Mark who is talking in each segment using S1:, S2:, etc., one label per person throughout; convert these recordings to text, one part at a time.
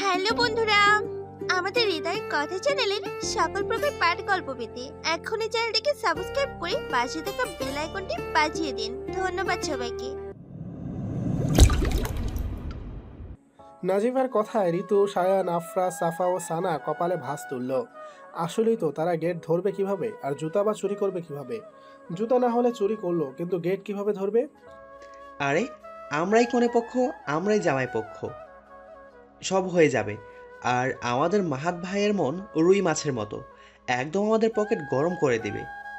S1: Hello বন্ধুরা, আমাদের হৃদয় কথা চ্যানেলের সকল প্রকার পাঠ গল্প পেতে এখনই চ্যানেলটিকে সাবস্ক্রাইব করে পাশে থাকা বেল আইকনটি বাজিয়ে দিন। ধন্যবাদ সবাইকে।
S2: নাজিফার কথায় ঋতু, সায়ান, আফরা, সাফা ও সানা কপালে ভাঁজ তুলল। আসলেই তো, তারা গেট ধরবে কিভাবে, আর জুতা বা চুরি করবে কিভাবে? জুতা না হলে চুরি করলো, কিন্তু গেট কিভাবে ধরবে?
S3: আরে আমরাই কনে পক্ষ, আমরাই জামাই পক্ষ, সব হয়ে যাবে। আর আমাদের মাহাত ভাইয়ের মন রুই মাছের মতো, একদম আমাদের পকেট গরম করে দিবে।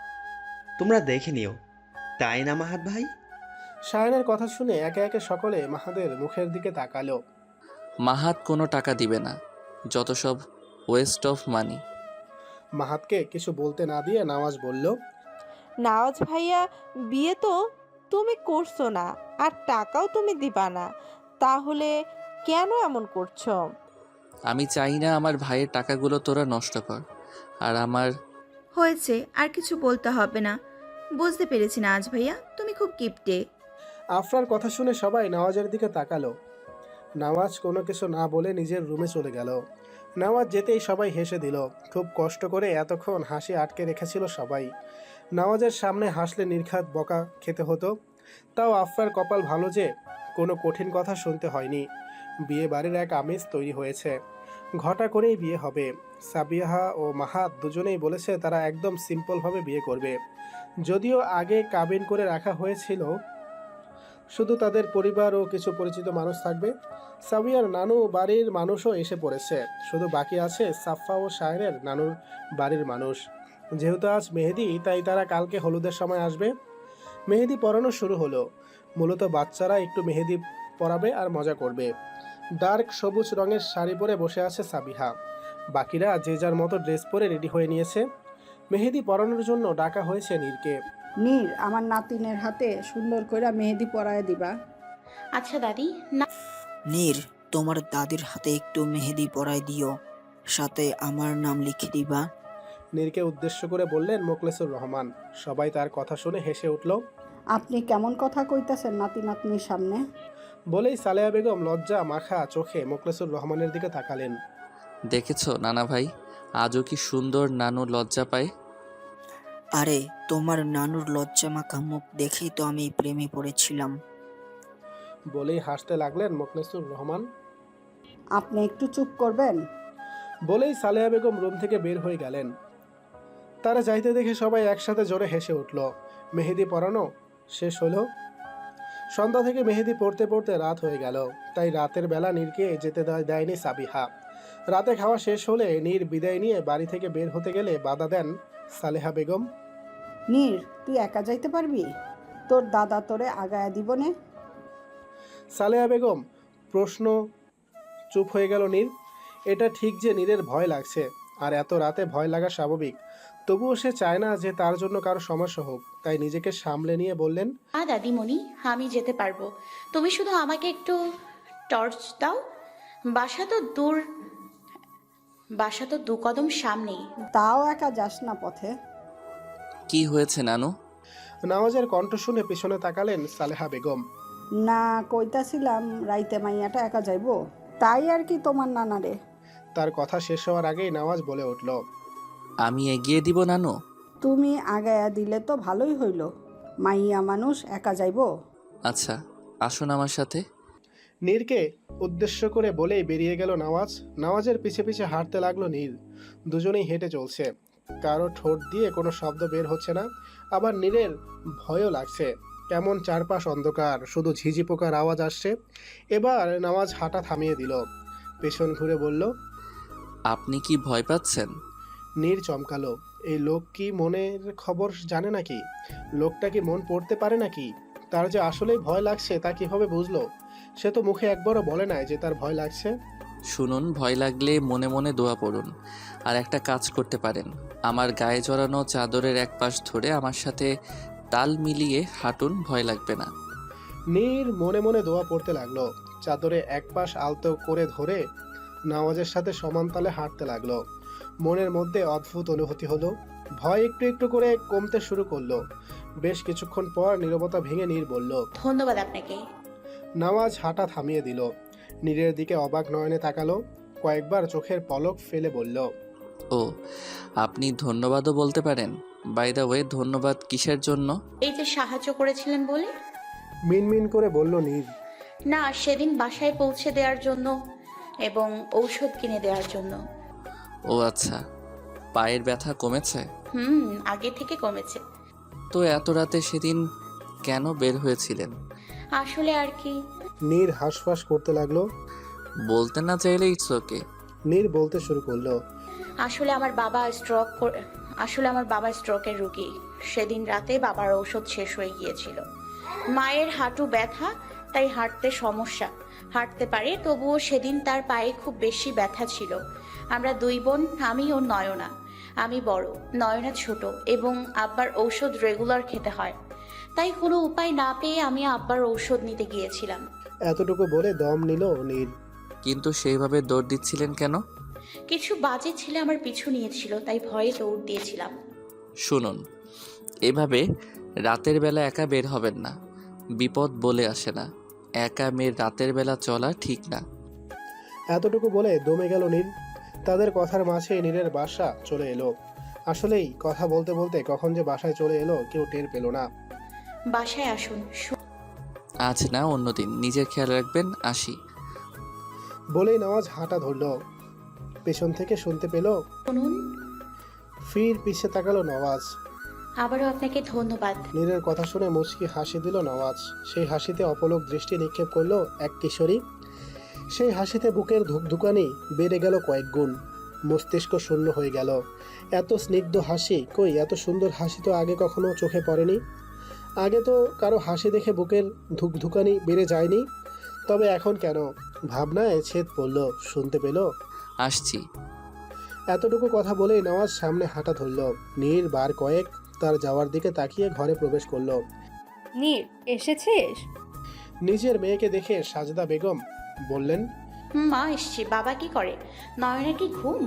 S3: তোমরা দেখে নিও, তাই না মাহাত ভাই?
S2: সায়ানের কথা শুনে একে একে সকলে মাহাদের মুখের দিকে তাকালো।
S4: মাহাত কোনো টাকা দিবে না, যত সব ওয়েস্ট অফ মানি।
S2: মাহাতকে কিছু বলতে না দিয়ে নওয়াজ বলল,
S5: নওয়াজ ভাইয়া, বিয়ে তো তুমি করছো না, আর টাকাও তুমি দিবা না, তাহলে কেন এমন করছো?
S4: আমি চাই না আমার ভাইয়ের টাকাগুলো তোরা নষ্ট কর। আর আমার
S1: হয়েছে, আর কিছু বলতে হবে না। বুঝতে পেরেছি না আজ ভাইয়া, তুমি খুব কিপটে।
S2: আফরার কথা শুনে সবাই নওয়াজের দিকে তাকালো। নওয়াজ কোনো কিছু না বলে নিজের রুমে চলে গেল। নওয়াজ যেতেই সবাই হেসে দিল। খুব কষ্ট করে এতক্ষণ হাসি আটকে রেখেছিল সবাই। নওয়াজের সামনে হাসলে নির্ঘাত বকা খেতে হতো। তাও আফরার কপাল ভালো যে কোনো কঠিন কথা শুনতে হয়নি। বিয়ে বাড়ির এক আমেজ তৈরি হয়েছে। ঘটা করেই বিয়ে হবে। সাবিহা ও মাহাত দুজনেই বলেছে তারা একদম সিম্পলভাবে বিয়ে করবে। যদিও আগে কাবিন করে রাখা হয়েছিল, শুধু তাদের পরিবার ও কিছু পরিচিত মানুষ থাকবে। সাবিয়ার নানু বাড়ির মানুষও এসে পড়েছে। শুধু বাকি আছে সাফা ও শাহের নানুর বাড়ির মানুষ। যেহেতু আজ মেহেদি, তাই তারা কালকে হলুদের সময় আসবে। মেহেদি পরানো শুরু হলো। মূলত বাচ্চারা একটু মেহেদি পরাবে আর মজা করবে। ডার্ক সবুজ রঙের শাড়ি পরে বসে আছে সাবিহা। বাকিরা যে যার মতো ড্রেস পরে রেডি হয়ে নিয়েছে। মেহেদি পরানোর জন্য ডাকা হয়েছে নীরকে।
S6: নীর, আমার নাতিনের হাতে সুন্দর করে মেহেদি পরায় দিবা।
S7: আচ্ছা দাদি। না,
S8: নীর, তোমার দাদির হাতে একটু মেহেদি পরাই দিও, সাথে আমার নাম লিখে দিবা।
S2: নীরকে উদ্দেশ্য করে বললেন মোখলেসুর রহমান। সবাই তার কথা শুনে হেসে উঠল।
S6: আপনি কেমন কথা কইতাছেন নাতি নাতনির সামনে?
S2: বলেই সালেহা বেগম লজ্জা মাখা চোখে মোখলেসুর রহমানের দিকে তাকালেন।
S4: দেখেছো নানা ভাই, আজও কি সুন্দর নানু লজ্জা পায়।
S8: আরে, তোমার নানুর লজ্জা মাখা মুখ দেখেই তো আমি প্রেমে পড়েছিলাম।
S2: বলেই হাসতে লাগলেন মোখলেসুর রহমান।
S6: আপনি একটু চুপ করবেন?
S2: বলেই সালেহা বেগম রুম থেকে বের হয়ে গেলেন। তারা যাইতে দেখে সবাই একসাথে জোরে হেসে উঠল। মেহেদি পরানো শেষ হলো। সন্ধ্যা থেকে মেহেদি পড়তে পড়তে রাত হয়ে গেল। তাই রাতের বেলা নীরকে যেতে দেয়নি সাবিহা। রাতে খাওয়া শেষ হলে নীর বিদায় নিয়ে বাড়ি থেকে বের হতে গেলে বাধা দেন সালেহা বেগম।
S6: নীর, তুই একা যাইতে পারবি? তোর দাদা তোরে আগায়া দিব নে।
S2: সালেহা বেগম প্রশ্ন। চুপ হয়ে গেল নীর। এটা ঠিক যে নীরের ভয় লাগছে, আর এত রাতে ভয় লাগা স্বাভাবিক। তবুও সে চায় না যে তার জন্য কারো সমস্যা হোক। তাই নিজেকে সামলে নিয়ে বললেন,
S7: দাদিমণি, আমি যেতে পারবো। তুমি শুধু আমাকে একটু টর্চ দাও। বাসা তো দূর, বাসা তো 2 কদম সামনেই।
S6: তাও একা যাস না পথে।
S4: কি হয়েছে নানু?
S2: নওয়াজের কণ্ঠ শুনে পিছনে তাকালেন সালেহা বেগম।
S6: না, কইতাছিলাম রাইতে মাইয়াটা একা যাইবো, তাই আর কি তোমার নানারে।
S2: তার কথা শেষ হওয়ার আগেই নওয়াজ বলে উঠল,
S4: আমি এগিয়ে দিব নানু।
S6: তুমি আগায়া দিলে তো ভালোই হইল। মাইয়া মানুষ একা যাইবো?
S4: আচ্ছা, আসুন আমার সাথে।
S2: নীরকে উদ্দেশ্য করে বলেই বেরিয়ে গেল নওয়াজ। নওয়াজের পিছে পিছে হাঁটতে লাগলো নীর। দুজনেই হেঁটে চলছে। কারো ঠোঁট দিয়ে কোনো শব্দ বের হচ্ছে না। আবার নীরের ভয়ও লাগছে। কেমন চারপাশ অন্ধকার, শুধু ঝিঝি পোকার আওয়াজ আসছে। এবার নওয়াজ হাঁটা থামিয়ে দিল। পেছন ঘুরে বলল,
S4: আপনি কি ভয় পাচ্ছেন?
S2: নীর চমকালো। এই লোক কি মনের খবর জানে নাকি? লোকটা কি মন পড়তে পারে নাকি? তার যে আসলেই ভয় লাগছে তা কিভাবে বুঝলো? সে তো মুখে একবারও বলে নাই যে তার ভয় লাগছে।
S4: শুনুন, ভয় লাগলে মনে মনে দোয়া পড়ুন। আর একটা কাজ করতে পারেন, আমার গায়ে জড়ানো চাদরের এক পাশ ধরে আমার সাথে তাল মিলিয়ে হাঁটুন, ভয় লাগবে না।
S2: নীর মনে মনে দোয়া পড়তে লাগলো। চাদরে এক পাশ আলতো করে ধরে নওয়াজের সাথে সমান তালে হাঁটতে লাগলো। মনের মধ্যে অদ্ভুত অনুভূতি হলো। ভয় একটু একটু করে কমতে শুরু করলো। বেশ কিছুক্ষণ পর নীরবতা ভেঙে নীর বলল,
S7: ধন্যবাদ আপনাকে।
S2: নওয়াজ হাঁটা থামিয়ে দিল। নীরের দিকে অবাক নয়নে তাকালো। কয়েকবার চোখের পলক ফেলে বলল,
S4: ও, আপনি ধন্যবাদও বলতে পারেন। বাই দ্য ওয়ে, ধন্যবাদ কিসের জন্য?
S7: এই যে সাহায্য করেছিলেন বলে।
S2: মিনমিন করে বলল নীর।
S7: না, সেদিন বাসায় পৌঁছে দেওয়ার জন্য এবং ঔষধ কিনে দেওয়ার জন্য।
S4: ও আচ্ছা, পায়ের ব্যথা কমেছে?
S7: আগে থেকে কমেছে।
S4: তো এত রাতে সেদিন কেন বের হয়েছিলেন?
S7: আসলে আর কি।
S2: নীর হাঁসফাঁস করতে লাগলো।
S4: বলতে না চাইলে ইটস ওকে।
S2: নীর বলতে শুরু করলো,
S7: আসলে আমার বাবা স্ট্রোকের রোগী। সেদিন রাতে বাবার ঔষধ শেষ হয়ে গিয়েছিল। মায়ের হাঁটু ব্যথা, তাই হাঁটতে সমস্যা। হাঁটতে পারে, তবুও সেদিন তার পায়ে খুব বেশি ব্যথা ছিল। আমরা দুই বোন, আমি ও নয়না। আমি বড়, নয়না ছোট, এবং আব্বার ঔষধ রেগুলার খেতে হয়। তাই কোনো উপায় না পেয়ে আমি আব্বার ঔষধ নিতে গিয়েছিলাম।
S2: এতটুকু বলে দম নিল নীর।
S4: কিন্তু সেইভাবে দৌড় দিচ্ছিলেন কেন?
S7: কিছু বাজে ছেলে আমার পিছু নিয়েছিল, তাই ভয়ে দৌড় দিয়েছিলাম।
S4: শুনুন, এভাবে রাতের বেলা একা বের হবেন না। বিপদ বলে আসে না। একা মেয়ের রাতের বেলা চলা ঠিক না।
S2: এতটুকু বলে দমে গেল নীর। তাদের কথার মাঝে নীরের বাসা চলে এলো। আসলেই কথা বলতে বলতে কখন যে বাসায় চলে এলো কেউ টের পেল না।
S7: বাসায় আসুন।
S4: আজ না, অন্যদিন। নিজের খেয়াল রাখবেন। আসি।
S2: বলেই নওয়াজ হাঁটা ধরল। পেছন থেকে শুনতে পেল,
S7: শুনুন,
S2: ফির পিছে তাকালো নওয়াজ।
S7: আবারও আপনাকে ধন্যবাদ।
S2: নীরের কথা শুনে মুচকি হাসি দিল নওয়াজ। সেই হাসিতে অপলক দৃষ্টি নিক্ষেপ করলো এক কিশোরী। সেই হাসিতে বুকের ধুকধুকানি বেড়ে গেল কয়েক গুণ। মস্তিষ্ক শূন্য হয়ে গেল। এত স্নিগ্ধ হাসি, কই এত সুন্দর হাসি তো আগে কখনো চোখে পড়েনি। আগে তো কারো হাসি দেখে বুকের ধুকধুকানি বেড়ে যায়নি। তবে এখন কেন? ভাবনায় ছেদ পড়ল। শুনতে পেল,
S4: আসছি।
S2: এতটুকু কথা বলেই নওয়াজ সামনে হাঁটা ধরল। নীর বার কয়েক তার যাওয়ার দিকে তাকিয়ে ঘরে প্রবেশ করলো।
S9: নীর, এসেছিস?
S2: নিজের মেয়েকে দেখে সাজেদা বেগম বললেন,
S7: মা, এসছি। বাবা কি করে? নয়না কি ঘুম?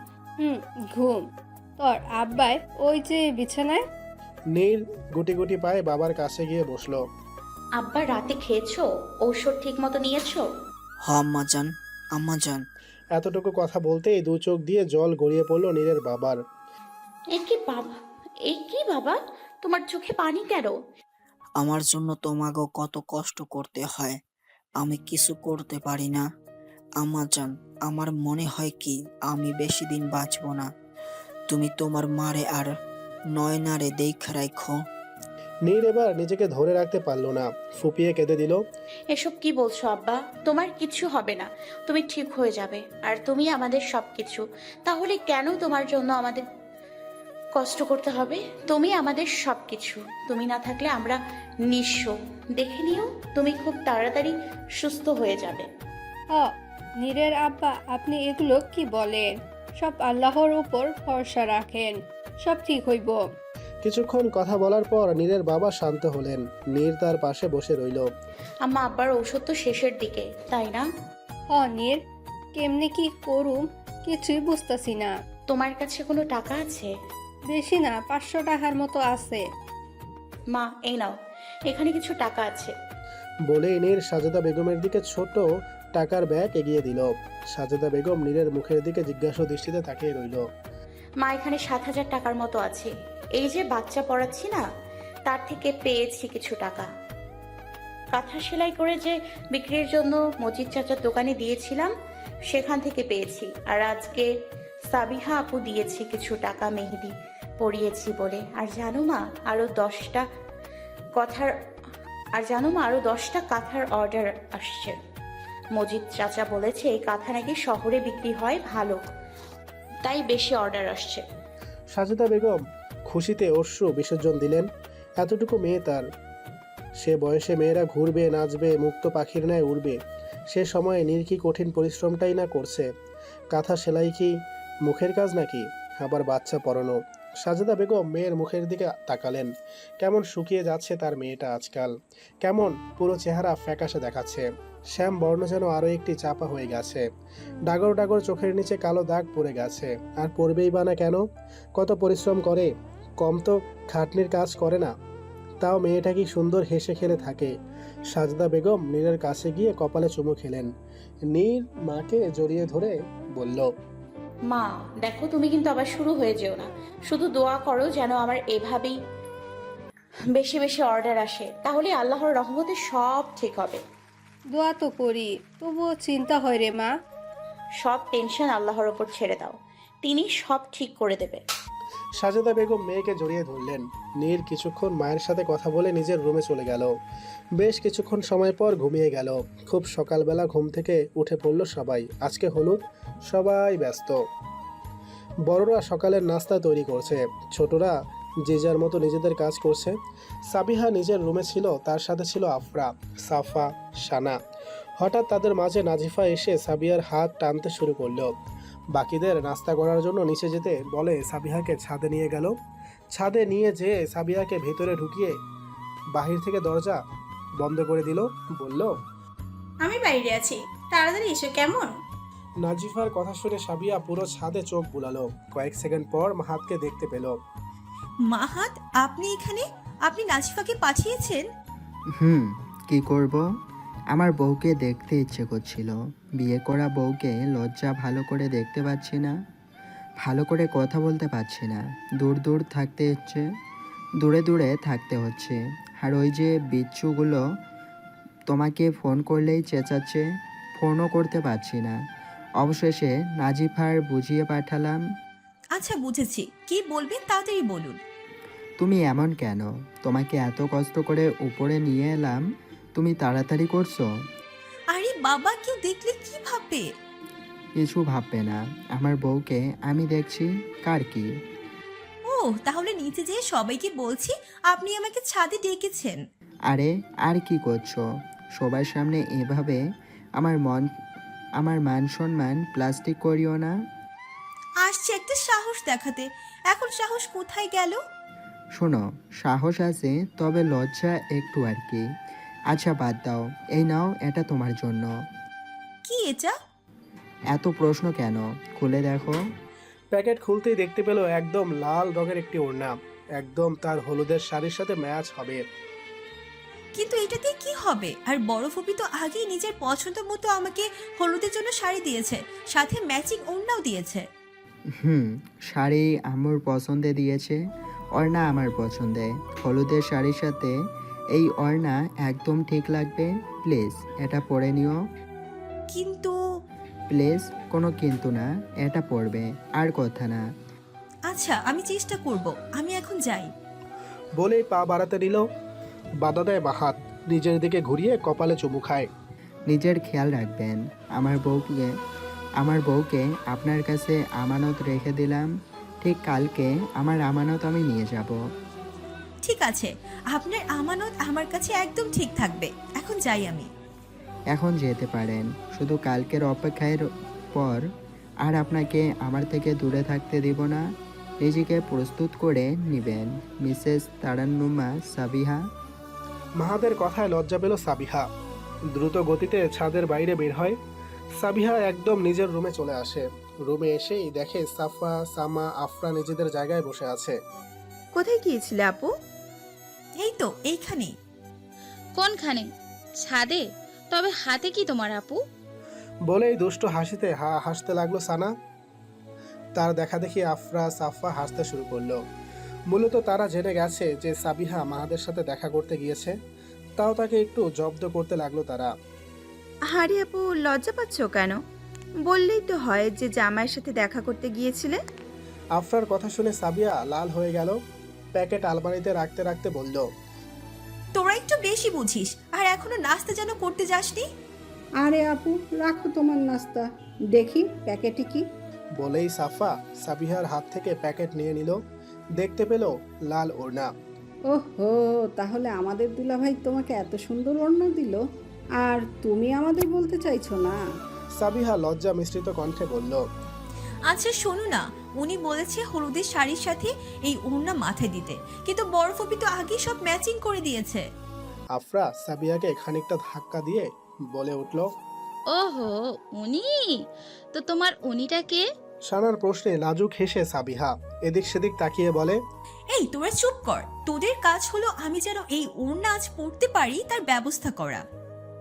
S9: ঘুম। তোর আব্বাই ওই যে বিছানায়।
S2: নীর গুটি গুটি পায়ে বাবার কাছে গিয়ে বসলো।
S7: আব্বা, রাতে খেয়েছো? ঔষধ ঠিক মতো নিয়েছো?
S8: হ আম্মাজান, আম্মাজান।
S2: এতটুকু কথা বলতেই দু চোখ দিয়ে জল গড়িয়ে পড়লো নীরের বাবার।
S7: এ কি বাবা, তোমার চোখে পানি কেন?
S8: আমার জন্য তোমাকেও কত কষ্ট করতে হয়, আমি কিছু করতে পারি না। আম্মাজান, আমার মনে হয় কি আমি বেশি দিন বাঁচব না। তুমি তোমার মারে আর নয়নারে দেখা রাখো।
S2: নীর এবার নিজেকে ধরে রাখতে পারলো না, ফুপিয়ে কেঁদে দিল।
S7: এসব কি বলছো আব্বা? তোমার কিছু হবে না, তুমি ঠিক হয়ে যাবে। আর তুমি আমাদের সবকিছু। তাহলে কেন তোমার জন্য আমাদের কষ্ট করতে হবে? তুমি আমাদের সবকিছু। তুমি না থাকলে আমরা নিঃস্ব। দেখে নিও, তুমি খুব তাড়াতাড়ি সুস্থ হয়ে যাবে।
S9: নীরের আব্বা, আপনি এগুলো কি বলেন? সব আল্লাহর উপর ভরসা রাখেন, সব ঠিক হইব।
S2: কিছুক্ষণ কথা বলার পর নীরের বাবা শান্ত হলেন। নীর তার পাশে বসে রইল।
S7: আম্মা, আব্বার ঔষধ তো শেষের দিকে, তাই না?
S9: নীর, কেমনে কি করুম কিছুই বুঝতেছি না।
S7: তোমার কাছে কোনো টাকা আছে?
S9: বেশি না, 500 টাকার মতো আছে।
S7: মা, এই নাও, এখানে কিছু টাকা আছে।
S2: বলেই নীর সাজেদা বেগমের দিকে ছোট টাকার ব্যাগ এগিয়ে দিল। সাজেদা বেগম নীরের মুখের দিকে জিজ্ঞাসা দৃষ্টিতে তাকিয়ে রইল।
S7: মা, এখানে 7,000 টাকার মতো আছে। এই যে বাচ্চা পড়াচ্ছি না, তার থেকে পেয়েছি কিছু টাকা। কাঁথা সেলাই করে যে বিক্রির জন্য মজিদ চাচার দোকানে দিয়েছিলাম, সেখান থেকে পেয়েছি। আর আজকে সাবিহা আপু দিয়েছি কিছু টাকা মেহেদি পরিয়েছি বলে। আর জানো মা, আরো 10টা কাঁথার অর্ডার আসছে। মজিদ চাচা বলেছে এই কাঁথা নাকি শহরে বিক্রি হয় ভালো, তাই বেশি অর্ডার আসছে।
S2: সাজেদা বেগম খুশিতে অশ্রু বিসর্জন দিলেন। এতটুকু মেয়ে তার। সে বয়সে মেয়েরা ঘুরবে, নাচবে, মুক্ত পাখির ন্যায় উড়বে। সে সময়ে নীর কি কঠিন পরিশ্রমটাই না করছে। কাঁথা সেলাই কি মুখের কাজ নাকি? আবার বাচ্চা পড়ানো। সাজেদা বেগম মেয়ের মুখের দিকে তাকালেন। কেমন শুকিয়ে যাচ্ছে তার মেয়েটা আজকাল। কেমন পুরো চেহারা ফ্যাকাশে দেখাচ্ছে। শ্যাম বর্ণ যেন আরও একটি চাপা হয়ে গেছে। ডাগর ডাগর চোখের নিচে কালো দাগ পড়ে গেছে। আর পড়বেই বা না কেন? কত পরিশ্রম করে, কম তো খাটনির কাজ করে না। তাও মেয়েটা কি সুন্দর হেসে খেলে থাকে। সাজেদা বেগম নীরের কাছে গিয়ে কপালে চুমু খেলেন। নীর মাকে জড়িয়ে ধরে বলল,
S7: মা দেখো, তুমি কিন্তু আবার শুরু হয়ে যেও না। শুধু দোয়া করো যেন আমার এভাবেই বেশি বেশি অর্ডার আসে, তাহলে আল্লাহর রহমতে সব ঠিক হবে।
S9: দোয়া তো করি, তবুও চিন্তা হয় রে মা।
S7: সব টেনশন আল্লাহর ওপর ছেড়ে দাও, তিনি সব ঠিক করে দেবে।
S2: সাজেদা বেগম মেয়েকে জড়িয়ে ধরলেন। নীর কিছুক্ষণ মায়ের সাথে কথা বলে নিজের রুমে চলে গেল। বেশ কিছুক্ষণ সময় পর ঘুমিয়ে গেল। খুব সকালবেলা ঘুম থেকে উঠে পড়ল সবাই। আজকে হলুদ, সবাই ব্যস্ত। বড়রা সকালের নাস্তা তৈরি করছে, ছোটরা যে যার মতো নিজেদের কাজ করছে। সাবিহা নিজের রুমে ছিল, তার সাথে ছিল আফরা, সাফা, সানা। হঠাৎ তাদের মাঝে নাজিফা এসে সাবিয়ার হাত টানতে শুরু করলো। বাকিদের নাস্তা করার জন্য নিচে যেতে বলে সাবিহাকে ছাদে নিয়ে গেল। ছাদে নিয়ে যেয়ে সাবিহাকে ভেতরে ঢুকিয়ে বাহির থেকে দরজা বন্ধ করে দিল। বলল,
S10: আমি বাইরে আছি, তাড়াতাড়ি এসো কেমন?
S2: নাজিফার কথা শুনে সাবিয়া পুরো ছাদে চোখ বুলালো। কয়েক সেকেন্ড পর মাহাতকে দেখতে পেল।
S10: মাহাত, আপনি এখানে? আপনি নাজিফাকে পাঠিয়েছেন?
S11: কি করব? আমার বউকে দেখতে ইচ্ছে করছিল। বিয়ে করা বউকে লজ্জা ভালো করে দেখতে পাচ্ছি না, ভালো করে কথা বলতে পারছি না। দূর দূর থাকতে হচ্ছে, দূরে দূরে থাকতে হচ্ছে। আর ওই যে বিচ্ছুগুলো তোমাকে ফোন করলেই চেঁচাচ্ছে, ফোনও করতে পারছি না। অবশেষে নাজিফার বুঝিয়ে পাঠালাম।
S10: আচ্ছা বুঝেছি, কি বলবেন তাড়াতাড়ি বলুন।
S11: তুমি এমন কেন? তোমাকে এত কষ্ট করে উপরে নিয়ে এলাম, তুমি তাড়াতাড়ি করছো।
S10: আরে বাবা, কেউ দেখলে কি ভাববে?
S11: কিছু ভাববে না, আমার বউকে আমি দেখছি, কার কি।
S10: ও তাহলে নিচে যেয়ে সবাইকে বলছি আপনি আমাকে ছাদে ডেকেছেন।
S11: আরে আর কি করছো? সবার সামনে এভাবে আমার মান সম্মান প্লাস্টিক করিও না।
S10: আসছে একটা সাহস দেখাতে, এখন সাহস কোথায় গেল?
S11: শোনো, সাহস আছে, তবে লজ্জা একটু আর কি। আচ্ছা বাদ দাও, এই নাও, এটা তোমার জন্য।
S10: কি এটা?
S11: এত প্রশ্ন কেন, খুলে দেখো।
S2: প্যাকেট খুলতেই দেখতে পেল একদম লাল রঙের একটি ওড়না, একদম তার হলুদের শাড়ির সাথে ম্যাচ হবে।
S10: কিন্তু এটাতে কি হবে? আর বড় ফুপি তো আগেই নিজের পছন্দ মতো আমাকে হলুদের জন্য শাড়ি দিয়েছে, সাথে ম্যাচিং ওড়নাও দিয়েছে।
S11: শাড়ি আম্মুর পছন্দে দিয়েছে, ওড়না আমার পছন্দে। হলুদের শাড়ির সাথে এই ওড়না একদম ঠিক লাগবে। প্লিজ এটা পরে নিও।
S10: কিন্তু
S11: প্লিজ, কোনো কিন্তু না, এটা পরবে, আর কথা না।
S10: আচ্ছা আমি চেষ্টা করব, আমি এখন যাই।
S2: বলেই পা বাড়াতে নিল, বাধা দেয় মাহাত। নিজের দিকে ঘুরিয়ে কপালে চুমু খায়।
S11: নিজের খেয়াল রাখবেন। আমার বউকে আপনার কাছে আমানত রেখে দিলাম। ঠিক কালকে আমার আমানত আমি নিয়ে যাব।
S10: ঠিক আছে, আপনার আমানত আমার কাছে একদম ঠিক থাকবে। এখন যাই আমি।
S11: এখন যেতে পারেন, শুধু কালকের অপেক্ষার পর আর আপনাকে আমার থেকে দূরে থাকতে দিব না। নিজেকে প্রস্তুত করে নেবেন, মিসেস তারান্নুমা সাবিহা।
S2: মাহাদের কথায় লজ্জা পেল সাবিহা। দ্রুত গতিতে ছাদের বাইরে বের হয়। সাবিহা একদম নিজের রুমে চলে আসে। রুমে এসেই দেখে সাফা, সামা, আফরা নিজেদের জায়গায় বসে আছে।
S5: কোথায় গিয়েছিলে আপু?
S10: এই তো এইখানে।
S12: কোনখানে? ছাদে? তবে হাতে কি তোমার আপু?
S2: বলেই দুষ্ট হাসিতে হাসতে লাগলো সানা। তার দেখা দেখি আফরা, সাফা হাসতে শুরু করলো। মূলত তারা জেনে গেছে যে সাবিহা মাহাদের সাথে দেখা করতে গিয়েছে, তাও তাকে একটু জব্দ করতে লাগলো তারা।
S5: আরে আপু, লজ্জা পাচ্ছ কেন? বললেই তো হয় যে জামাইয়ের সাথে দেখা করতে গিয়েছিলে।
S2: আফরার কথা শুনে সাবিয়া লাল হয়ে গেল। প্যাকেট আলমারিতে রাখতে রাখতে বলল,
S10: তোরা একটু বেশি বুঝিস, আর এখনো নাস্তা যেন করতে যাসনি।
S6: আরে আপু, রাখো তোমার নাস্তা, দেখি প্যাকেটে কি।
S2: বলেই সাফা সাবিহার হাত থেকে প্যাকেট নিয়ে নিল। দেখতে পেল লাল ওড়না।
S6: ওহো, তাহলে আমাদের দুলাভাই তোমাকে এত সুন্দর ওড়না দিল, আর তুমি আমাদের বলতে চাইছো না?
S2: সাবিহা লজ্জা মিশ্রিত কণ্ঠে বলল,
S10: আচ্ছা শোনো না, উনি বলেছে হলুদের শাড়ির সাথে এই ওড়না মাথায় দিতে, কিন্তু বড় ফুপি তো আগেই সব ম্যাচিং করে দিয়েছে।
S2: আফরা সাবিয়াকে খানিকটা ধাক্কা দিয়ে বলে উঠল,
S12: ওহো, উনি? তো তোমার উনিটা কে?
S2: সানার প্রশ্নে লাজুক হেসে সাবিহা এদিক সেদিক তাকিয়ে বলে,
S10: এই তোরা চুপ কর, তোদের কাজ হলো আমি যেন এই ওড়না আজ পড়তে পারি তার ব্যবস্থা করা।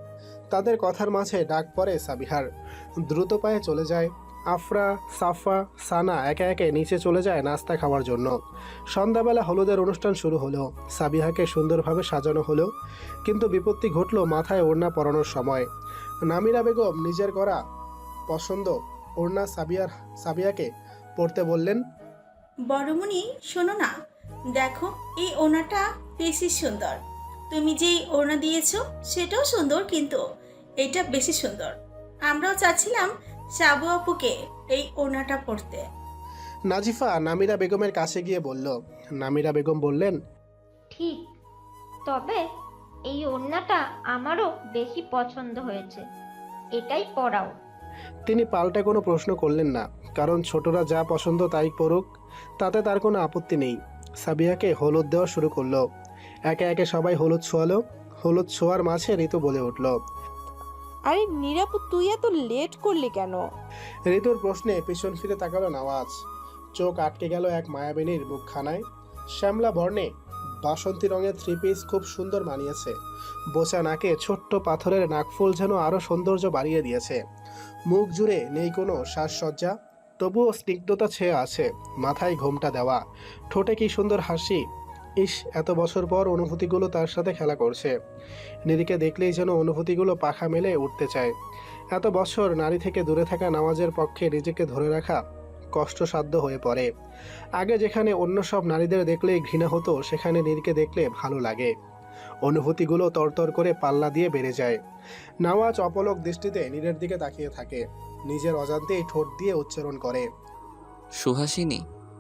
S2: তাদের কথার মাঝে ডাক পড়ে সাবিহার। দ্রুত পায়ে চলে যায়। আফরা, সাফা, সানা একে একে নিচে চলে যায় নাস্তা খাওয়ার জন্য। সন্ধ্যাবেলা হলুদের অনুষ্ঠান শুরু হলো। সাবিহাকে সুন্দরভাবে সাজানো হলো, কিন্তু বিপত্তি ঘটল মাথায় ওড়না পরানোর সময়। নামিরা বেগম নিজের করা পছন্দ ওড়না সাবিয়াকে পরতে বললেন।
S13: বড়মণি শোনো না, দেখো এই ওড়নাটা বেশি সুন্দর। তুমি যেই ওড়না দিয়েছো সেটাও সুন্দর, কিন্তু এটা বেশি সুন্দর। আমরাও চাচ্ছিলাম সাবু আপুকে এই ওড়নাটা পরতে।
S2: নাজিফা নামিরা বেগমের কাছে গিয়ে বলল। নামিরা বেগম বললেন,
S14: ঠিক, তবে এই ওড়নাটা আমারও বেশি পছন্দ হয়েছে, এটাই পরাও।
S2: তিনি পাল্টা কোনো প্রশ্ন করলেন না, কারণ ছোটরা যা পছন্দ তাই পড়ুক, তাতে তার কোনো আপত্তি নেই। সাবিয়াকে হলুদ দেওয়া শুরু করলো। একে একে সবাই হলুদ ছোঁয়ালো। হলুদ ছোঁয়ার মাঝে ঋতু বলে উঠল।
S5: আরে নিরাপু, তুই এত লেট করলি কেন?
S2: ঋতুর প্রশ্নে পিছন ফিরে তাকালো নওয়াজ। চোখ আটকে গেল এক মায়াবিনীর মুখখানায়। শ্যামলা বর্ণে বাসন্তী রঙের থ্রি পিস খুব সুন্দর মানিয়েছে। বোচা নাকে ছোট্ট পাথরের নাকফুল যেন আরও সৌন্দর্য বাড়িয়ে দিয়েছে। মুখ জুড়ে নেই কোনো সাজসজ্জা, তবুও স্নিগ্ধতা ছেয়ে আছে। মাথায় ঘোমটা দেওয়া, ঠোঁটে কি সুন্দর হাসি। ইস, এত বছর পর অনুভূতিগুলো তার সাথে খেলা করছে। নীরিকে দেখলেই যেন অনুভূতিগুলো পাখা মেলে উঠতে চায়। এত বছর নারী থেকে দূরে থাকা নামাজের পক্ষে নিজেকে ধরে রাখা কষ্টসাধ্য হয়ে পড়ে। আগে যেখানে অন্য সব নারীদের দেখলেই ঘৃণা হতো, সেখানে নীরকে দেখলে ভালো লাগে। অনুভূতিগুলো তরতর করে পাল্লা দিয়ে বেড়ে যায়। নওয়াজ অপলক দৃষ্টিতে নীরের দিকে তাকিয়ে থাকে। নিজের অজান্তেই ঠোঁট দিয়ে উচ্চারণ করে,
S4: সুহাসিনী।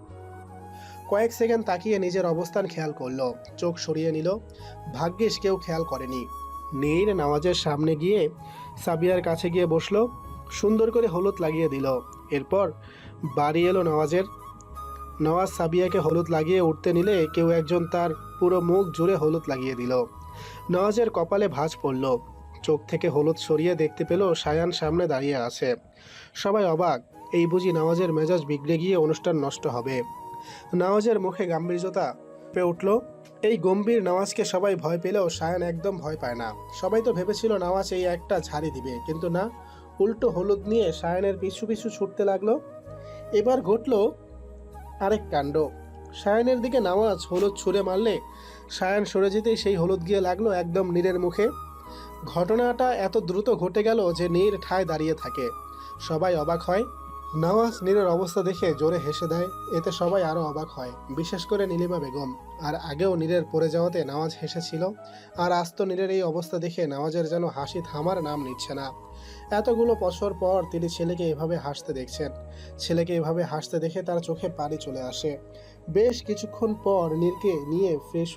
S2: কয়েক সেকেন্ড তাকিয়ে নিজের অবস্থান খেয়াল করলো, চোখ সরিয়ে নিল। ভাগ্যিস কেউ খেয়াল করেনি। নীর নওয়াজের সামনে গিয়ে সাবিয়ার কাছে গিয়ে বসলো, সুন্দর করে হলুদ লাগিয়ে দিল। এরপর বাড়ি এলো নওয়াজের। নওয়াজ সাবিয়াকে হলুদ লাগিয়ে উঠতে নিলে কেউ একজন তার পুরো মুখ জুড়ে হলুদ লাগিয়ে দিল। নওয়াজের কপালে ভাঁজ পড়ল। চোখ থেকে হলুদ সরিয়ে দেখতে পেল সায়ান সামনে দাঁড়িয়ে আছে। সবাই অবাক, এই বুঝি নওয়াজের মেজাজ বিগড়ে গিয়ে অনুষ্ঠান নষ্ট হবে। নওয়াজের মুখে গাম্ভীর্যতা পেয়ে উঠল। এই গম্ভীর নওয়াজকে সবাই ভয় পেলেও সায়ান একদম ভয় পায় না। সবাই তো ভেবেছিল নওয়াজ এই একটা ঝাড়ি দিবে, কিন্তু না, উল্টো হলুদ নিয়ে সায়ানের পিছু পিছু ছুটতে লাগলো। এবার ঘটল আরেক কাণ্ড। সায়ানের দিকে নওয়াজ হলুদ ছুঁড়ে মারলে সায়ান সরে যেতেই সেই হলুদ গিয়ে লাগলো একদম নীরের মুখে। ঘটনাটা এত দ্রুত ঘটে গেল যে নীর ঠায় দাঁড়িয়ে থাকে। সবাই অবাক হয়। নওয়াজ নীরের অবস্থা দেখে জোরে হেসে দেয়। এতে সবাই আরও অবাক হয়, বিশেষ করে নীলিমা বেগম। আর আগেও নীরের পড়ে যাওয়াতে নওয়াজ হেসেছিল, আর আজ তো নীরের এই অবস্থা দেখে নওয়াজের যেন হাসি থামার নাম নিচ্ছে না। এতগুলো বছর পর তিনি ছেলেকে এভাবে হাসতে দেখছেন। ছেলেকে এভাবে হাসতে দেখে তার চোখে পানি চলে আসে। বেশ কিছুক্ষণ পর নীরকে নিয়ে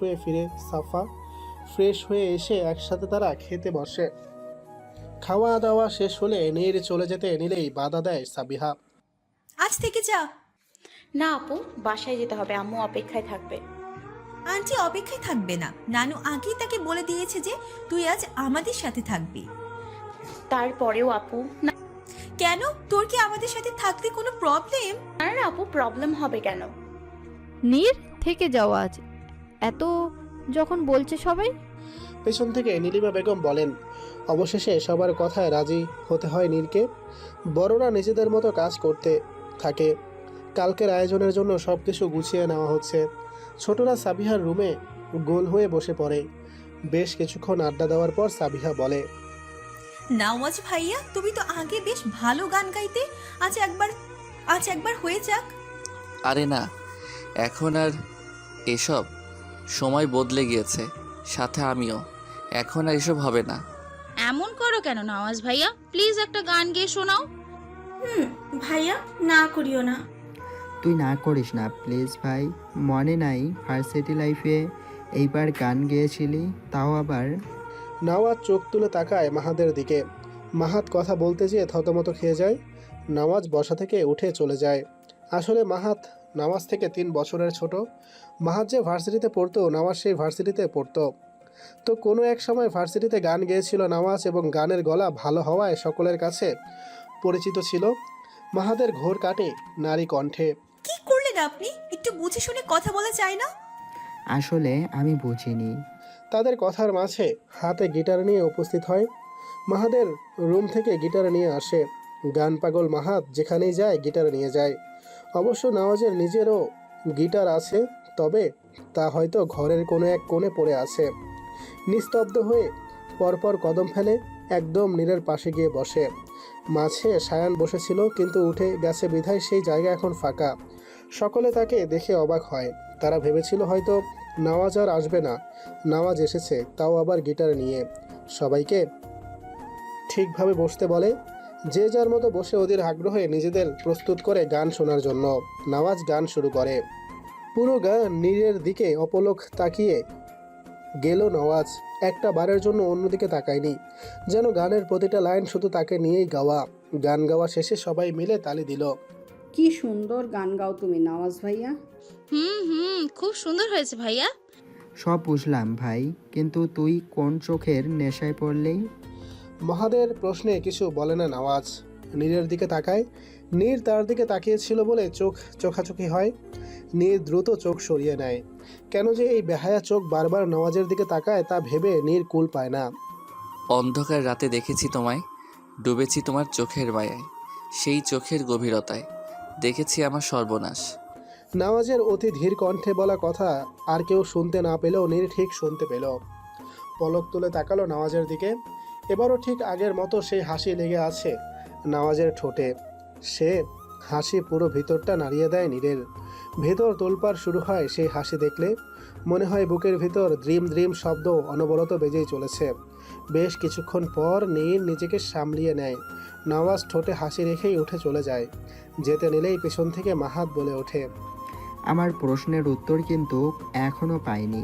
S2: ফ্রেশ হয়ে এসে একসাথে তারা খেতে বসে। খাওয়া দাওয়া শেষ হলে নীর চলে যেতে নিলেই বাধা দেয় সাবিহা।
S10: আজ থেকে যা।
S7: না আপু, বাসায় যেতে হবে, আম্মু অপেক্ষায় থাকবে।
S10: আন্টি অপেক্ষায় থাকবে না, নানু আগেই তাকে বলে দিয়েছে যে তুই আজ আমাদের সাথে থাকবি।
S7: তারপরেও আপু, না।
S10: কেন, তোর কি আমাদের সাথে থাকতে কোনো প্রবলেম?
S7: না না আপু, প্রবলেম হবে কেন?
S9: নীর থেকে যাও আজ, এত যখন বলছে সবাই।
S2: পেছন থেকে নীলিমা বেগম বলেন। অবশেষে সবার কথায় রাজি হতে হয় নীরকে। বড়রা নিজেদের মতো কাজ করতে থাকে। কালকের আয়োজনের জন্য সব কিছু গুছিয়ে নেওয়া হচ্ছে। ছোটরা সাবিহার রুমে গোল হয়ে বসে পড়ে। বেশ কিছুক্ষণ আড্ডা দেওয়ার পর সাবিহা বলে,
S10: নওয়াজ ভাইয়া, তুমি তো আগে বেশ ভালো গান গাইতে, আজ একবার হয়ে যাক।
S4: আরে না, এখন আর এসব, সময় বদলে গিয়েছে, সাথে আমিও। এখন আর এসব হবে না।
S12: এমন করো কেন নওয়াজ ভাইয়া, প্লিজ একটা গান গেয়ে শোনাও।
S13: ভাইয়া, না করিও না।
S11: তুই না করিস না প্লিজ ভাই। মনে নাই ভার্সিটি লাইফে এইবার গান গেয়েছিলি, তাও আবার।
S2: নওয়াজ চোখ তুলে তাকায় মাহাদের দিকে। মাহাত কথা বলতে যেয়ে থতমত খেয়ে যায়। নওয়াজ বসা থেকে উঠে চলে যায়। আসলে মাহাত নওয়াজ থেকে 3 বছরের ছোট। মাহাত যে ভার্সিটিতে পড়তো, নওয়াজ সেই ভার্সিটিতে পড়তো। তো কোনো এক সময় ভার্সিটিতে গান গেয়েছিল নওয়াজ, এবং গানের গলা ভালো হওয়ায় সকলের কাছে পরিচিত ছিল। মাহাদের ঘোর কাটে নারী কণ্ঠে।
S10: কি করলেন আপনি? একটু বুঝে শুনে কথা বলা যায় না?
S11: আসলে আমি বুঝিনি।
S2: তাদের কথার মাঝে হাতে গিটার নিয়ে উপস্থিত হয়। মাহাদের রুম থেকে গিটার নিয়ে আসে। গান পাগল মাহাত যেখানেই যায় গিটার নিয়ে যায়। অবশ্য নওয়াজের নিজেরও গিটার আছে, তবে তা হয়তো ঘরের কোনো এক কোণে পড়ে আছে। নিস্তব্ধ হয়ে পরপর কদম ফেলে একদম নীরের পাশে গিয়ে বসে। মাঝে সায়ান বসেছিল, কিন্তু উঠে গেছে বিধায় সেই জায়গা এখন ফাঁকা। সকলে তাকে দেখে অবাক হয়। তারা ভেবেছিল হয়তো নওয়াজ আর আসবে না। নওয়াজ এসেছে, তাও আবার গিটার নিয়ে। সবাইকে ঠিকভাবে বসতে বলে। যে যার মতো বসে ওদের আগ্রহে নিজেদের প্রস্তুত করে গান শোনার জন্য। নওয়াজ গান শুরু করে। পুরো গান নীরের দিকে অপলক তাকিয়ে গেল নওয়াজ। একটা বারের জন্য অন্যদিকে তাকায়নি, যেন গানের প্রতিটা লাইন শুধু তাকে নিয়েই গাওয়া। গান গাওয়া শেষে সবাই মিলে তালি দিল।
S6: কি সুন্দর গান গাও তুমি নওয়াজ ভাইয়া।
S12: খুব সুন্দর হয়েছে ভাইয়া।
S11: সব বুঝলাম ভাই, কিন্তু তুই কোন চোখের নেশায় পড়লি?
S2: মহাদের প্রশ্নে কিছু বলে না নওয়াজ। নীরের দিকে তাকায়। নীর তার দিকে তাকিয়েছিল বলে চোখ চোখাচোখি হয়। নীর দ্রুত চোখ সরিয়ে নেয়। কেন যে এই বেহায়া চোখ বারবার নওয়াজের দিকে তাকায় তা ভেবে নীর কুল পায় না।
S4: অন্ধকার রাতে দেখেছি তোমায়, ডুবেছি তোমার চোখের মায়ায়, সেই চোখের গভীরতায় দেখেছি আমার সর্বনাশ।
S2: নওয়াজের অতি ধীর কণ্ঠে বলা কথা আর কেউ শুনতে না পেলেও নীর ঠিক শুনতে পেল। পলক তুলে তাকালো নওয়াজের দিকে। এবারও ঠিক আগের মতো সেই হাসি লেগে আছে নওয়াজের ঠোঁটে। সে হাসি পুরো ভিতরটা নাড়িয়ে দেয় নীরের। ভেতর তোলপাড় শুরু হয় সেই হাসি দেখলে। মনে হয় বুকের ভিতর দ্রিম দ্রিম শব্দ অনবরত বেজেই চলেছে। বেশ কিছুক্ষণ পর নীর নিজেকে সামলিয়ে নেয়। নওয়াজ ঠোঁটে হাসি রেখেই উঠে চলে যায়। যেতে নিলেই পেছন থেকে মাহাত বলে ওঠে,
S11: আমার প্রশ্নের উত্তর কিন্তু এখনো পাইনি।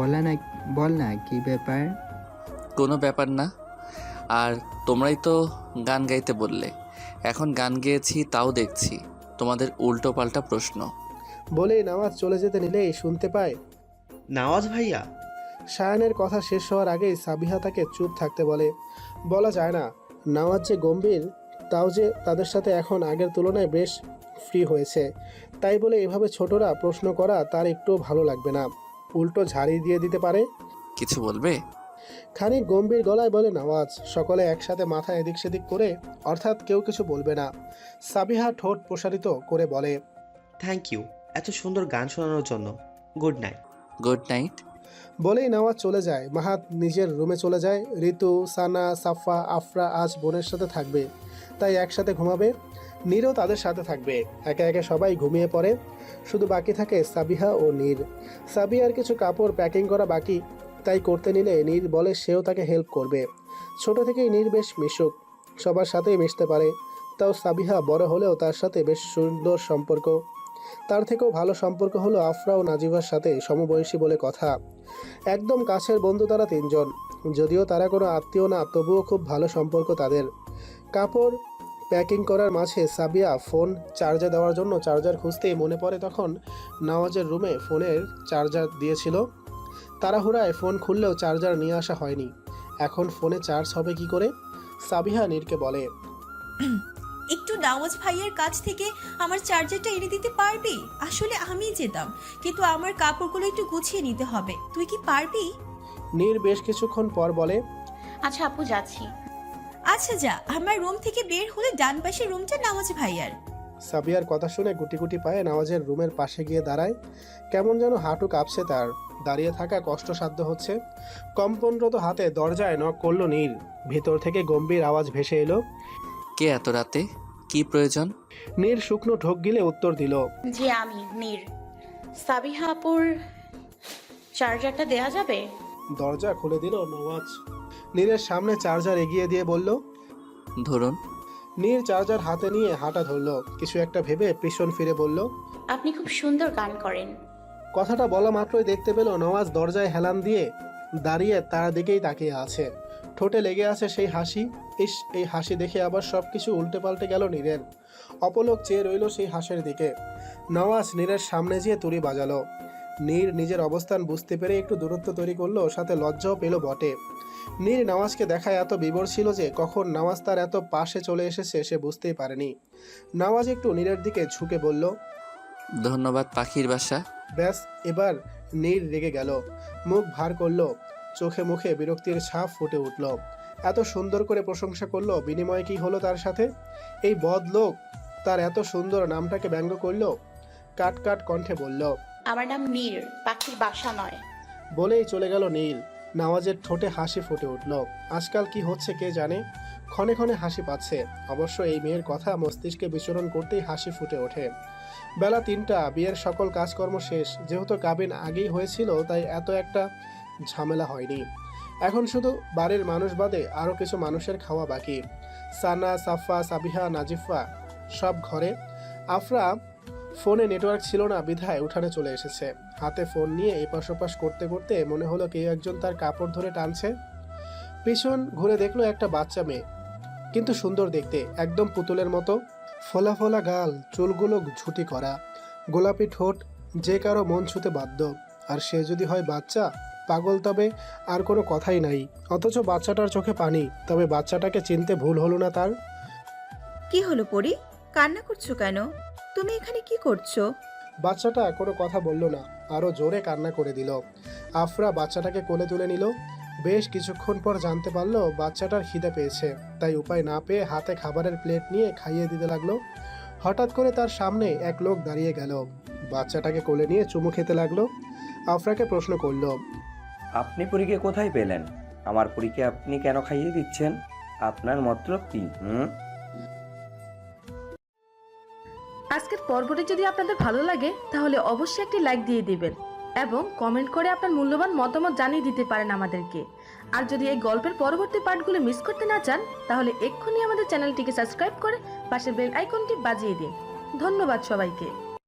S11: বল না কি ব্যাপার?
S4: কোনো ব্যাপার না। আর তোমরাই তো গান গাইতে বললে, এখন গান গেয়েছি তাও দেখছি তোমাদের উল্টো পাল্টা প্রশ্ন।
S2: বলেই নওয়াজ চলে যেতে নিলেই শুনতে পায়,
S3: নওয়াজ ভাইয়া।
S2: সায়ানের কথা শেষ হওয়ার আগেই সাবিহা তাকে চুপ থাকতে বলে। বলা যায় না নওয়াজ যে গম্ভীর, তাও যে তাদের সাথে এখন আগের তুলনায় বেশ ফ্রি হয়েছে। তাই বলে এভাবে ছোটরা প্রশ্ন করা তার একটু ভালো লাগবে না। উল্টো ঝাড়ি দিয়ে দিতে পারে।
S4: কিছু বলবে?
S2: খানিক গম্ভীর গলায় বলে নওয়াজ। সকলে একসাথে মাথা এদিক সেদিক করে, অর্থাৎ কেউ কিছু বলবে না। সাবিহা ঠোঁট প্রসারিত করে বলে,
S3: থ্যাংক ইউ এত সুন্দর গান শোনানোর জন্য। Good night.
S4: Good night.
S2: বলেই নওয়াজ চলে যায়। মাহাত নিজের রুমে চলে যায়। ঋতু, সানা, সাফা, আফরা আজ বোনের সাথে থাকবে, তাই একসাথে ঘুমাবে। নীরও তাদের সাথে থাকবে। একে একে সবাই ঘুমিয়ে পড়ে। শুধু বাকি থাকে সাবিহা ও নীর। সাবিহার কিছু কাপড় প্যাকিং করা বাকি, তাই করতে নিলে নীর বলে সেও তাকে হেল্প করবে। ছোট থেকেই নীর বেশ মিশুক, সবার সাথেই মিশতে পারে। তাও সাবিহা বড় হলেও তার সাথে বেশ সুন্দর সম্পর্ক। তার থেকেও ভালো সম্পর্ক হলো আফরা ও নাজিভার সাথে, সমবয়সী বলে কথা। একদম কাছের বন্ধু তারা তিনজন। যদিও তারা কোনো আত্মীয় না, তবুও খুব ভালো সম্পর্ক তাদের। কাপড় প্যাকিং করার মাঝে সাবিয়া ফোন চার্জে দেওয়ার জন্য চার্জার খুঁজতেই মনে পড়ে তখন নওয়াজের রুমে ফোনের চার্জার দিয়েছিল। তাড়াহুড়ায় ফোন খুললেও চার্জার নিয়ে আসা হয়নি। এখন ফোনে চার্জ হবে কি করে? সাবিহা নীরকে বলে,
S10: একটু নওয়াজ ভাইয়ের কাছ থেকে আমার চার্জারটা এনে দিতে পারবি? আসলে আমিই যেতাম, কিন্তু আমার কাপড়গুলো একটু গুছিয়ে নিতে হবে। তুই কি পারবি?
S2: নীর বেশ কিছুক্ষণ পর বলে,
S7: আচ্ছা আপু যাচ্ছি।
S10: আচ্ছা যা। আমার রুম থেকে বের হলে ডান পাশের রুমটা নওয়াজ ভাইয়ার।
S2: সাবিয়ার কথা শুনে গুটি গুটি পায়ে নওয়াজের রুমের পাশে গিয়ে দাঁড়ায়। কেমন যেন হাঁটু কাঁপছে তার। দাঁড়িয়ে থাকা কষ্টসাধ্য হচ্ছে। কম্পনরত হাতে দরজায় নক করলো নীর। ভিতর থেকে গম্ভীর আওয়াজ ভেসে এলো,
S4: কে এত রাতে? কি প্রয়োজন?
S2: নীর শুকনো ঢোক গিলে উত্তর দিল,
S7: জি আমি নীর। সাবিহা আপুর চার্জারটা দেয়া যাবে?
S2: দরজা খুলে দিল নওয়াজ। নীরের সামনে চার্জার এগিয়ে দিয়ে বলল,
S4: ধরুন।
S2: নীর চার্জার হাতে নিয়ে হাঁটা ধরল। কিছু একটা ভেবে পিছন ফিরে বলল,
S7: আপনি খুব সুন্দর গান করেন।
S2: কথাটা বলা মাত্রই দেখতে পেল নওয়াজ দরজায় হেলান দিয়ে দাঁড়িয়ে তার দিকেই তাকিয়ে আছে। ঠোঁটে লেগে আছে সেই হাসি। এই হাসি দেখে আবার সব কিছু উল্টে পাল্টে গেল নীরের। অপলক চেয়ে রইল সেই হাসির দিকে। নওয়াজ নীরের সামনে যেয়ে তুড়ি বাজালো। নীর নিজের অবস্থান বুঝতে পেরে একটু দূরত্ব তৈরি করলো, সাথে লজ্জাও পেল বটে। নীর নওয়াজকে দেখায় এত বিবর ছিল যে কখন নওয়াজ তার এত পাশে চলে এসেছে সে বুঝতেই পারেনি। নওয়াজ একটু নীরের দিকে ঝুঁকে বলল,
S4: ধন্যবাদ পাখির বাসা।
S2: ব্যাস এবার নীর রেগে গেল। মুখ ভার করলো। চোখে মুখে বিরক্তির ছাপ ফুটে উঠল। এত সুন্দর করে প্রশংসা করলো, বিনিময়ে কি হলো তার সাথে? এই বদ লোক তার এত সুন্দর নামটাকে ব্যঙ্গ করলো। কাট কাট কণ্ঠে বলল,
S7: আমার নাম নীর, পাখির বাসা নয়।
S2: বলেই চলে গেল নীল। নওয়াজের ঠোঁটে হাসি ফুটে উঠল। আজকাল কি হচ্ছে কে জানে, ক্ষণে ক্ষণে হাসি পাচ্ছে। অবশ্য এই মেয়ের কথা মস্তিষ্কে বিচরণ করতেই হাসি ফুটে ওঠে। বেলা 3টা, বিয়ের সকল কাজকর্ম শেষ। যেহেতু কাবিন আগেই হয়েছিল তাই এত একটা ঝামেলা হয়নি। এখন শুধু বাড়ির মানুষ বাদে আরও কিছু মানুষের খাওয়া বাকি। সানা, সাফা, সাবিহা, নাজিফা সব ঘরে। আফরা ফোনে নেটওয়ার্ক ছিল না বিধায় উঠানে চলে এসেছে। হাতে ফোন নিয়ে এপাশ ওপাশ করতে করতে মনে হলো কেউ একজন তার কাপড় ধরে টানছে। পিছন ঘুরে দেখলো একটা বাচ্চা মেয়ে, কিন্তু সুন্দর দেখতে, একদম পুতুলের মতো। ফোলা ফোলা গাল, চুলগুলো ঝুটি করা, গোলাপি ঠোঁট, যে কারো মন ছুতে বাধ্য। আর সে যদি হয় বাচ্চা, পাগল তবে আর কোনো কথাই নাই। অথচ বাচ্চাটার চোখে পানি, তবে বাচ্চাটাকে চিনতে ভুল হলো না তার।
S15: কি হলো পরি, কান্না করছো কেন? তুমি এখানে কি করছো?
S2: বাচ্চাটা কোনো কথা বলল না, আরো জোরে কান্না করে দিল। আফরা বাচ্চাটাকে কোলে তুলে নিল। বেশ কিছুক্ষণ পর জানতে পারলো বাচ্চাটার খিদে পেয়েছে, তাই উপায় না পেয়ে হাতে খাবারের প্লেট নিয়ে খাইয়ে দিতে লাগলো। হঠাৎ করে তার সামনে এক লোক দাঁড়িয়ে গেল, বাচ্চাটাকে কোলে নিয়ে চুমু খেতে লাগলো। আফরাকে প্রশ্ন করলো,
S16: আপনি পরীকে কোথায় পেলেন? আমার পরীকে আপনি কেন খাইয়ে দিচ্ছেন? আপনার মতলব কি?
S17: আজকের পর্বটি যদি আপনাদের ভালো লাগে তাহলে অবশ্যই একটি লাইক দিয়ে দিবেন এবং কমেন্ট করে আপনার মূল্যবান মতামত জানিয়ে দিতে পারেন আমাদেরকে। আর যদি এই গল্পের পরবর্তী পার্টগুলো মিস করতে না চান তাহলে এক্ষুনি আমাদের চ্যানেলটিকে সাবস্ক্রাইব করে পাশের বেল আইকনটি বাজিয়ে দিন। ধন্যবাদ সবাইকে।